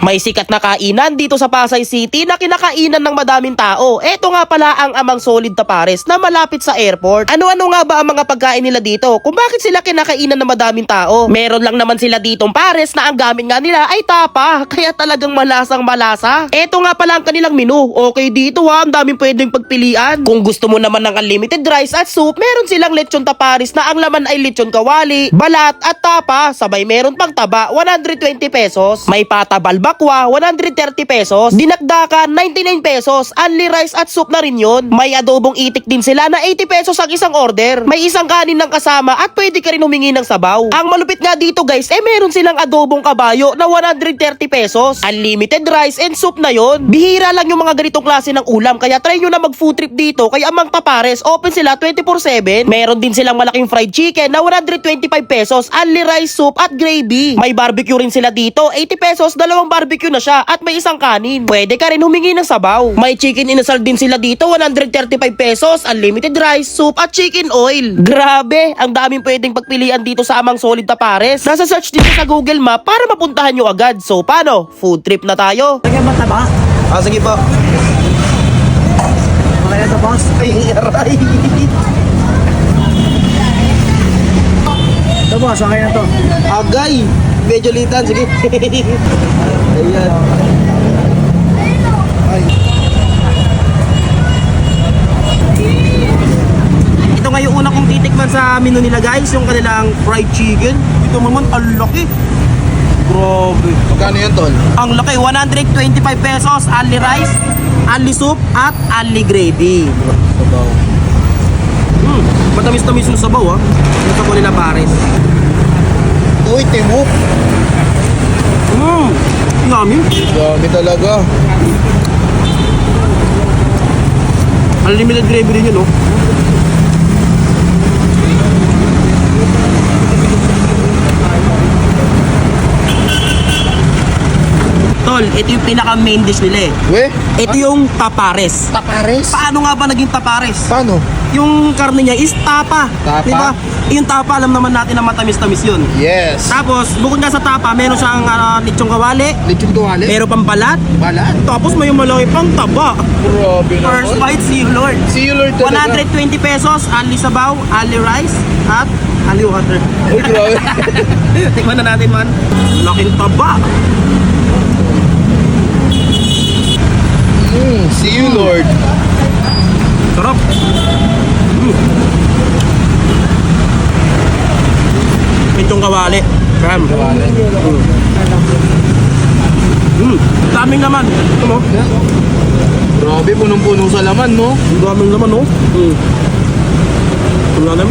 May sikat na kainan dito sa Pasay City na kinakainan ng madaming tao. Eto nga pala ang Amang Solid Tapares na malapit sa airport. Ano-ano nga ba ang mga pagkain nila dito? Kung bakit sila kinakainan ng madaming tao? Meron lang naman sila ditong pares na ang gamit nga nila ay tapa. Kaya talagang malasang malasa. Eto nga pala ang kanilang menu. Okay dito ha, ang daming pwedeng pagpilian. Kung gusto mo naman ng unlimited rice at soup, meron silang lechon tapares na ang laman ay lechon kawali, balat at tapa. Sabay meron pang taba, 120 pesos. May pata balbakwa, 130 pesos. Dinakdakan, 99 pesos. Only rice at soup na rin yun. May adobong itik din sila na 80 pesos ang isang order. May isang kanin ng kasama at pwede ka rin humingi ng sabaw. Ang malupit nga dito guys, meron silang adobong kabayo na 130 pesos. Unlimited rice and soup na yon. Bihira lang yung mga ganitong klase ng ulam, kaya try nyo na mag food trip dito kay Amang Tapares. Open sila 24/7. Meron din silang malaking fried chicken na 125 pesos. Only rice, soup at gravy. May barbecue rin sila dito, 80 pesos, dalawang barbecue na siya at may isang kanin. Pwede ka rin humingi ng sabaw. May chicken inasal din sila dito, 135 pesos, unlimited rice, soup at chicken oil. Grabe, ang daming pwedeng pagpilian dito sa Amang Solid Tapares. Nasa search dito sa Google Map para mapuntahan nyo agad. So paano? Food trip na tayo. Lagyan ba taba? Sige po. Okay na ito, boss. Ay, aray. Ito, boss. Okay na to. Agay. Medyo litan, sige. Ayan. Ay. Ito nga yung una kong titikman sa menu nila guys, yung kanilang fried chicken. Ito naman, ang laki. Grabe. Magkano yan, tol? Ang laki, 125 pesos, only rice, only soup, at only gravy. Sabaw. Matamis-tamis yung sabaw ha. Yung sabaw nila pares. Uy, timok. Yummy. Dami talaga. Unlimited gravy din yun, no? Tol, ito yung pinaka main dish nila eh. We? Ito yung tapares. Tapares? Paano nga ba naging tapares? Paano? Yung karne niya is tapa. Tapa? Diba? Yung tapa, alam naman natin na matamis-tamis yun. Yes. Tapos, bukod nga sa tapa, meron siyang lechong kawali, Lechon tuwali? meron pang balat, Balat? tapos may malaki pang taba. Grabe naman. First bite, see you Lord. See you, Lord, talaga. 120 pesos, only sabaw, only rice, at only water. Uy, grabe. Tikman na natin man. Laking taba. See you, Lord. Sarap. Itong kawali. Ram. Daming naman. Ito mo. Grabe, punong-puno sa laman, no? Daming naman, no? Ito naman.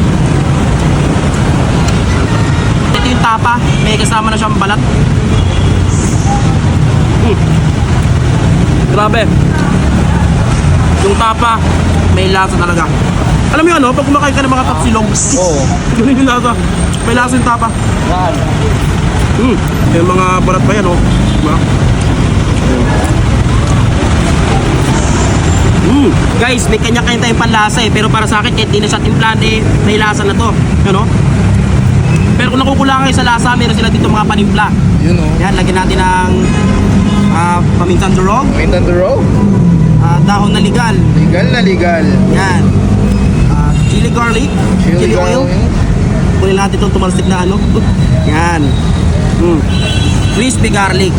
Ito yung tapa. May kasama na siyang balat. Grabe. Yung tapa, may lasa talaga. Alam mo yun, no? Pag kumakain ka ng mga tapsilog, Oo. ganun yung lasa. May lasa yung tapa. Yan. Yung mga balat pa yan, no? Diba? Guys, may kanya-kanya tayong panlasa eh. Pero para sa akin, kahit di na siya timplahan eh, may lasa na to. Ano? Pero kung nakukulangan kayo sa lasa, meron sila dito mga panimpla. Yun, oh. Yan, lagyan natin ng pamintang durog, Wait on the row? dahon na ligal. Legal na legal. Yan. Chili garlic, chili oil. Kunin natin itong tumalsik na ano. Yan. Crispy garlic.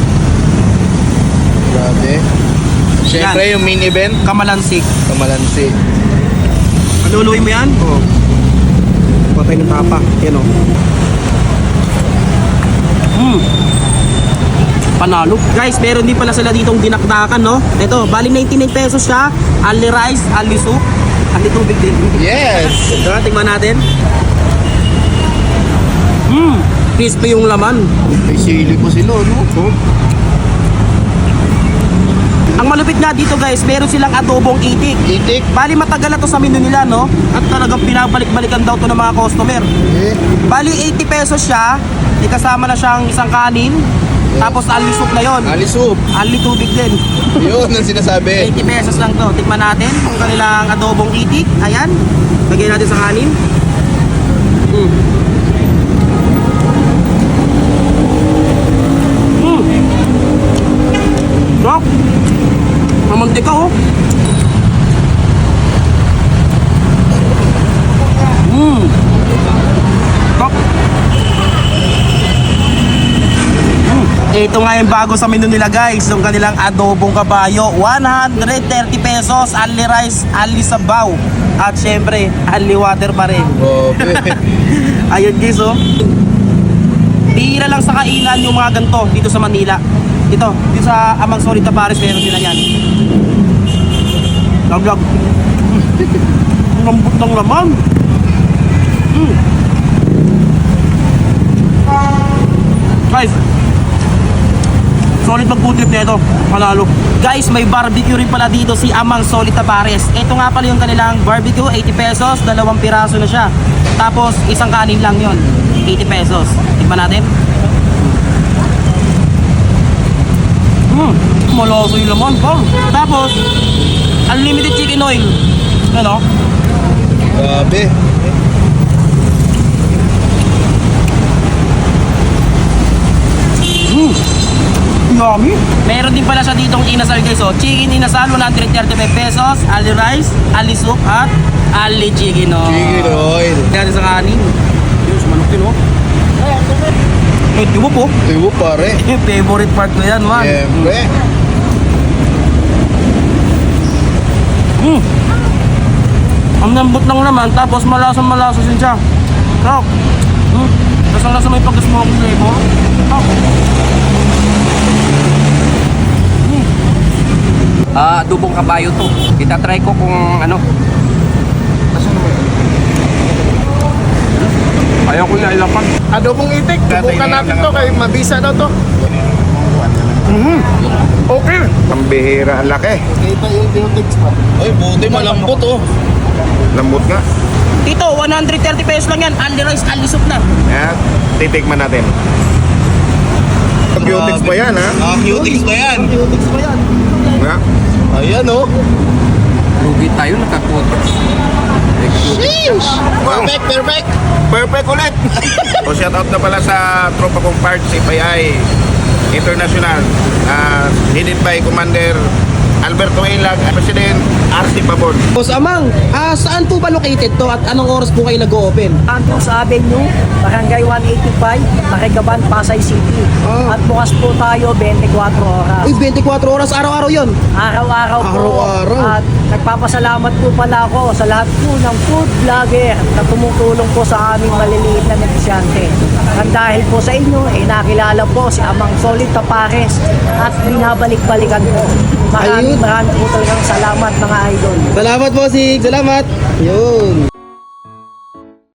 Grabe. Siyempre, Yan. yung main event, Kamalansik. kamalansi. Aluluin mo yan? Oo. Patay ng tapa. Yan o. Panalo. Guys, meron din pala sila ditong dinakdakan, no? Ito, bali 99 pesos siya. Only rice, only soup, only tubig din. Yes! Tara, tingnan natin. Crispy yung laman. May sili pa sila, no? Ang malupit nga dito guys, meron silang adobong itik. Itik. Bali matagal na to sa menu nila, no? At talagang pinabalik-balikan daw to ng mga customer. Eh. Bali 80 pesos siya. May kasama na siyang isang kanin. Tapos only soup na yon. Alisup. Only tubig din. Yun ang sinasabi. 80 pesos lang to. Tikman natin kung kanilang adobong itik. Ayan. Lagyan natin sa kanin. mantika oh. Top. Ito nga yung bago sa menu nila guys, yung kanilang adobong kabayo, 130 pesos, only rice, only sabaw. At syempre, only water pa rin. Grabe. Ayun guys oh. Bihira lang sa kainan yung mga ganito dito sa Manila. Dito sa Amang Solid na Pares meron sila yan. Laglag. Lambot ng laman. Guys, solid mag-food trip na ito. Panalo. Guys, may barbecue rin pala dito si Amang Solid Tapares. Ito nga pala yung kanilang barbecue, 80 pesos, 2 piraso na siya. Tapos, isang kanin lang yon, 80 pesos. Tikman natin. Maloso yung laman, Paul. Tapos, unlimited chicken oil. Ano? Grabe. Yummy. Meron din pala siya ditong inasal guys oh. Chicken inasal 135 pesos, ali rice, ali soup at ali chicken oil. Chicken oil. Yan sa kanin. Yung sumanok din oh. Eh, diba po? Tibo pare. Favorite part ko yan man. Siyempre. Ang lambot lang naman, tapos malasa din siya. Sarap. Tapos ang lasa may pag-smoke flavor. Sarap. Adobong kabayo to. Itatry ko kung ano. Ayaw ko na ilapan. Adobong itik, subukan natin to kay mabisa daw to. Okay. Ang bihira, ang laki. Kita yung biotics pa. Ay, buti malambot oh. Lambot nga. Dito, 130 pesos lang yan. Only rice, only soup na. Yan, titikman natin. Cutics pa yan, ha? Cutics ba yan? Biotics pa yan. Nga. Ayan oh. Lugi tayo nakakuha. Perfect, perfect. Perfect ulit! O shout out na pala sa tropa kong part, si PAI International, headed by Commander Alberto Ilag, President RC Pabon. Boss Amang, saan po ba located to at anong oras po kayo nag-open? Santos Avenue, Barangay 185, Nakigaban, Pasay City. At bukas po tayo 24 oras. Uy, 24 oras, araw-araw yon. Araw-araw po. Araw-araw. At nagpapasalamat po pala ako sa lahat po ng food vlogger na tumutulong po sa aming maliliit na negosyante. At dahil po sa inyo, nakilala po si Amang Solid Tapares at binabalik-balikan po. Maraming po talagang salamat mga idol. Salamat po, Sig. Salamat. Yun.